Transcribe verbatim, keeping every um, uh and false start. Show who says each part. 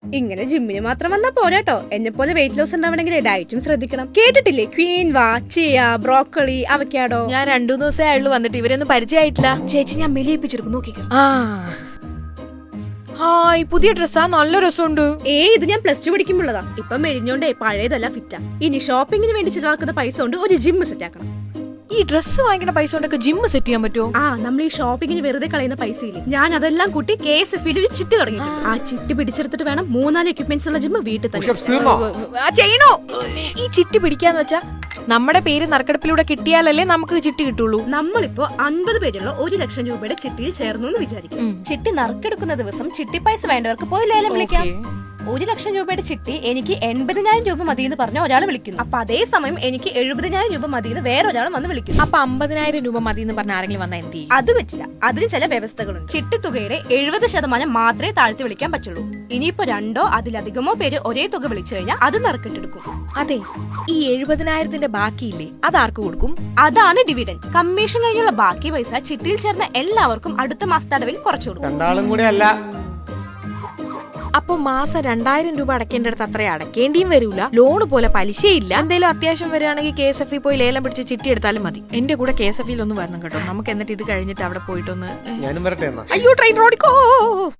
Speaker 1: ഇങ്ങനെ ജിമ്മിന് മാത്രം വന്നാ പോരാട്ടോ. എന്നെ പോലെ വെയിറ്റ് ലോസ് ഉണ്ടാവണമെങ്കിൽ ഡയറ്റും ശ്രദ്ധിക്കണം. കേട്ടിട്ടില്ലേ ക്വീൻവ, ചിയ, ബ്രോക്കോളി, അവക്കാഡോ?
Speaker 2: ഞാൻ രണ്ടു ദിവസമേ ആയുള്ളൂ വന്നിട്ട്, ഇവരൊന്നും പരിചയമായിട്ടില്ല.
Speaker 1: ചേച്ചി ഞാൻ മെലിയിപ്പിച്ചെടുക്കും, നോക്കിക്കോ.
Speaker 2: ആ ഹായ്, പുതിയ ഡ്രസ്സാ, നല്ല രസമുണ്ട്.
Speaker 1: ഏ ഇത് ഞാൻ പ്ലസ് ടു പഠിക്കുമ്പോഴതാ. ഇപ്പൊ മെലിഞ്ഞോണ്ടേ പഴയതല്ല ഫിറ്റാ. ഇനി ഷോപ്പിങ്ങിന് വേണ്ടി ചിലവാക്കുന്ന പൈസ കൊണ്ട് ഒരു ജിമ്മ് സെറ്റ് ആക്കണം.
Speaker 2: ഈ ഡ്രസ്സ് വാങ്ങിക്കുന്ന പൈസ കൊണ്ടൊക്കെ ജിമ്മ് സെറ്റ് ചെയ്യാൻ പറ്റുമോ?
Speaker 1: ആ നമ്മൾ ഈ ഷോപ്പിങ്ങിന് വെറുതെ കളയുന്ന പൈസ ഇല്ലേ, ഞാൻ അതെല്ലാം കൂട്ടി കെ എസ് എഫ് ഒരു ചിട്ടി തുടങ്ങി. ആ ചിട്ടി പിടിച്ചെടുത്തിട്ട് വേണം മൂന്നാല് എക്യുപ്മെന്റ്സ് ഉള്ള ജിമ്മ് വീട്ടിൽ തന്നെ
Speaker 2: ചെയ്യണോ. ഈ ചിട്ടി പിടിക്കാന്ന് വെച്ചാ നമ്മുടെ പേര് നറുക്കെടുപ്പിലൂടെ കിട്ടിയാലല്ലേ നമുക്ക് ചിട്ടി കിട്ടുള്ളൂ.
Speaker 1: നമ്മളിപ്പോ അൻപത് പേരുള്ള ഒരു ലക്ഷം രൂപയുടെ ചിട്ടിയിൽ ചേർന്നു എന്ന് വിചാരിക്കും. ചിട്ടി നറുക്കെടുക്കുന്ന ദിവസം ചിട്ടി പൈസ വേണ്ടവർക്ക് പോയി ലേലം വിളിക്കാം. ഒരു ലക്ഷം രൂപയുടെ ചിട്ടി എനിക്ക് എൺപതിനായിരം രൂപ മതി എന്ന് പറഞ്ഞ ഒരാൾ വിളിക്കുന്നു. അപ്പൊ അതേ സമയം എനിക്ക് എഴുപതിനായിരം രൂപ മതി എന്ന് വേറൊരാൾ വന്ന് വിളിക്കുന്നു.
Speaker 2: അപ്പൊ അമ്പതിനായിരം രൂപ മതി എന്ന് പറഞ്ഞ ആരെങ്കിലും വന്നാൽ എന്ത് ചെയ്യും?
Speaker 1: അത് പറ്റില്ല. അതിന് ചില വ്യവസ്ഥകളുണ്ട്. ചിട്ടിത്തുകയുടെ എഴുപത് ശതമാനം മാത്രമേ താഴ്ത്തി വിളിക്കാൻ പറ്റുള്ളൂ. ഇനിയിപ്പോ രണ്ടോ അതിലധികമോ പേര് ഒരേ തുക വിളിച്ചു കഴിഞ്ഞാൽ അത് നറുക്കിട്ടെടുക്കും.
Speaker 2: അതെ, ഈ എഴുപതിനായിരത്തിന്റെ ബാക്കിയില്ലേ, അത് ആർക്ക് കൊടുക്കും?
Speaker 1: അതാണ് ഡിവിഡന്റ്. കമ്മീഷൻ കഴിഞ്ഞുള്ള ബാക്കി പൈസ ചിട്ടിയിൽ ചേർന്ന എല്ലാവർക്കും അടുത്ത മാസത്തെ അടവിൽ കുറച്ചു കൊടുക്കും.
Speaker 2: അപ്പൊ മാസം രണ്ടായിരം രൂപ അടക്കേണ്ടടുത്ത് അത്ര അടക്കേണ്ടിയും വരൂല, ലോണ് പോലെ പലിശയില്ല. എന്തെങ്കിലും അത്യാവശ്യം വരികയാണെങ്കിൽ കെ എസ് എഫ് പോയി ലേലം പിടിച്ച് ചിട്ടി എടുത്താലും മതി. എന്റെ കൂടെ കെ എസ് എഫ് ഒന്ന് വരണം കേട്ടോ. നമുക്ക് എന്നിട്ട് ഇത് കഴിഞ്ഞിട്ട് അവിടെ പോയിട്ടൊന്ന്.
Speaker 3: ഞാനും വരട്ടെ.
Speaker 2: അയ്യോ, ട്രെയിൻ റോഡിക്കോ.